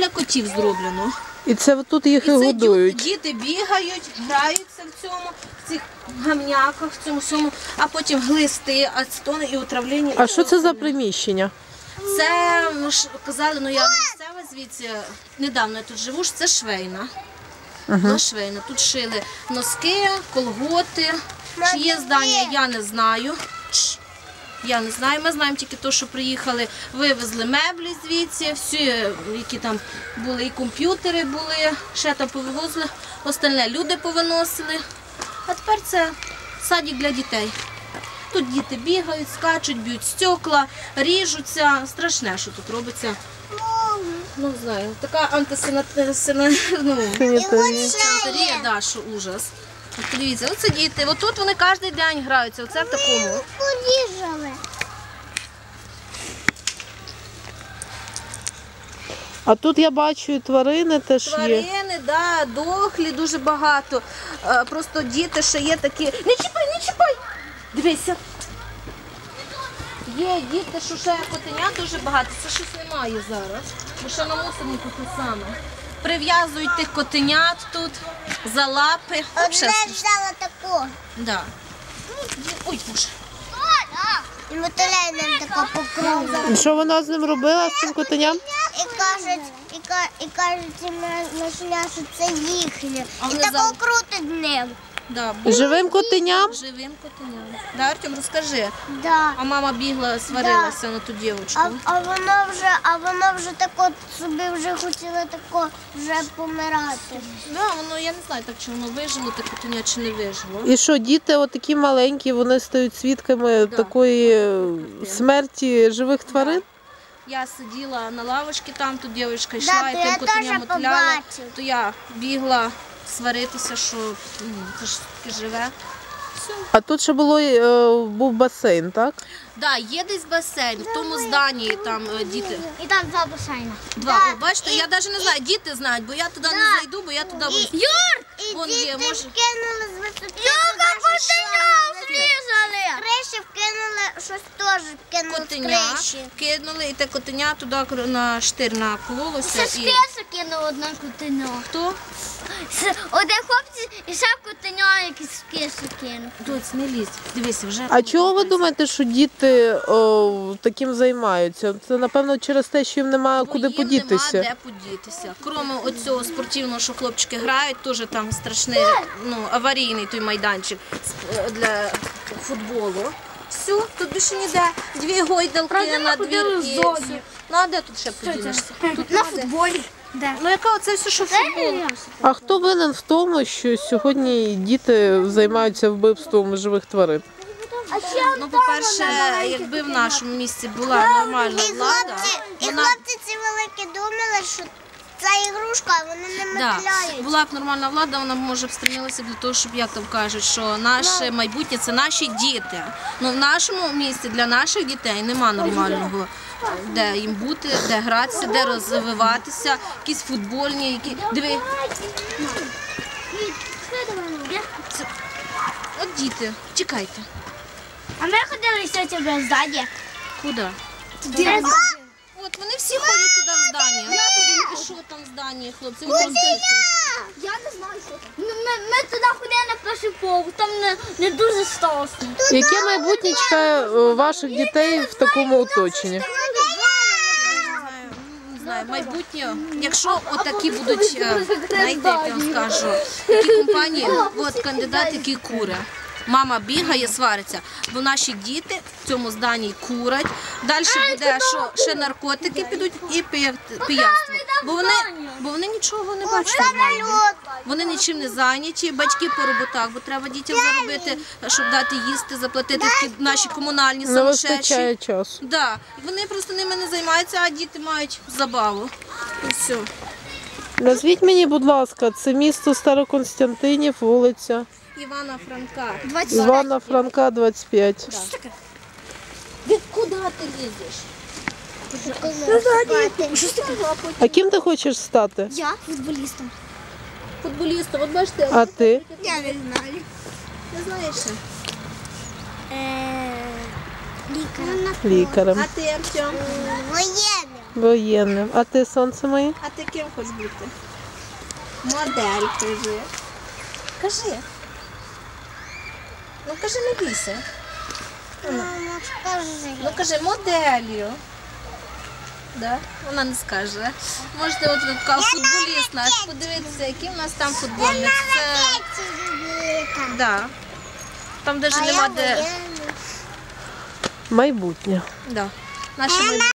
для котів зроблено. І це тут їх і годують? Діти бігають, граються в цих гамняках, в цьому всьому, а потім глисти, ацетони і отравлення. А що це за приміщення? Це, казали, я не місцева звідси, недавно я тут живу, це швейна. Швейна. Тут шили носки, колготи. Чи є здання, я не знаю. Я не знаю, ми знаємо тільки те, що приїхали, вивезли меблі звідси, всі, які там були, і комп'ютери були, ще там повивозили, остальне люди повиносили. А тепер це садик для дітей. Тут діти бігають, скачуть, б'ють стекла, ріжуться. Страшне, що тут робиться. Ну, знаю, така антисанітарія, да, що ужас. От подивіться, оце діти, отут вони кожен день граються, оце в такому. А тут я бачу і тварини теж є. Тварини, да, дохлі дуже багато. Просто діти ще є такі. Не чіпай, не чіпай! Дивися. Є діти, що ще котеня дуже багато. Це щось немає зараз. Бо ще на мусорнику те саме. Прив'язують тих котенят тут за лапи. Одна взяла таку. Да. Ой, боже. І мотиляє нам таку по кругу. І що вона з ним робила, з цим котеням? І кажуть, нашля, що це їхнє. А І вони тако крутить ним. Да, Живим котеням? живим котеням. Да, Артем, розкажи. Да. А мама бігла, сварилася на ту дівчинку. А воно вже тако собі вже хотіло тако вже помирати. Да, воно, я не знаю, так чи воно вижило, те котеня, чи не вижило. І що, діти отакі маленькі, вони стають свідками такої смерті живих тварин? Я сиділа на лавочці там, тут дівчинка йшла, і то я тим котеня теж мотиляла, побачила. то я бігла сваритися, що це ж таке живе. А тут ще був басейн, так? Да, є десь басейн, в тому зданні там діти. І там два басейни. Два, о, бачите, я навіть не знаю, діти знають, бо я туди не зайду, бо я туди буду. І Вон діти є, може. вкинули з висоти. Криші вкинули, щось теж вкинули з Котеня криші. кинули, і те котеня туди на штир накололося. Це І... скеса кинув одне котеня. Хто? Один хлопець і ще котеня якийсь скесу кинув. Доць, не лізь, дивися, вже. А чого ви думаєте, що діти таким займаються? Це, напевно, через те, що їм немає куди Їм подітися. нема де подітися. Крім оцього спортивного, що хлопчики грають, теж там страшний, аварійний той майданчик для футболу. Все, тут більше ніде. Дві гойдалки на двір і все. Ну а де тут ще подінешся? Тут На футболі. Ну яка оце все, що футбол? А хто винен в тому, що сьогодні діти займаються вбивством живих тварин? Ну, по-перше, якби в нашому місті була нормальна влада, І хлопці ці великі думали, що це ігрушка, а вони не да, метляють. була б нормальна влада, вона б, може, б стремилася для того, щоб, як там кажуть, що наше майбутнє – це наші діти. Ну, в нашому місті для наших дітей нема нормального, де їм бути, де гратися, де розвиватися, якісь футбольні, які... Диви. От діти, чекайте. А ми ходили сьогодні ззаді. Куди? От вони всі ходять туди в здання. І що там в зданні, хлопці? Ви розкажіть. Я не знаю, що там. Ми туди ходили на перший поверх, там не дуже страшно. Яке майбутнє чекає ваших дітей в такому оточенні? Не знаю, майбутнє, якщо отакі будуть, знаєте, як я вам скажу, такі компанії, от кандидат, який куре. Мама бігає, свариться, бо наші діти в цьому зданні курять. Далі буде, що ще наркотики підуть і пияцтво. Бо вони нічого не бачать нормально. Вони нічим не зайняті, батьки по роботах, бо треба дітям заробити, щоб дати їсти, заплатити такі наші комунальні Не самошедші. вистачає часу. Да. Вони просто ними не займаються, а діти мають забаву. І все. Назвіть мені, будь ласка, це місто Староконстянтинів, вулиця Івана Франка. Івана Франка, 25. Куди ти лізеш? А ким ти хочеш стати? Я футболістом. Футболістом, от бачите, А ти? Я не знаю. не знаєш ще. Лікарем. Лікарем. А ти, Артем? Воєнним. Воєнним. А ти, сонце моє? А ти ким хочеш бути? Модель, кажи. Кажи. Ну кажи, не бійся. Мама, скажи. Ну кажи, моделлю. Да? Вона не скаже. Можете от така футболіст наш, подивитися, які в нас там футбольниць. Це... Да. Там навіть нема де. Майбутнє. Да. Наші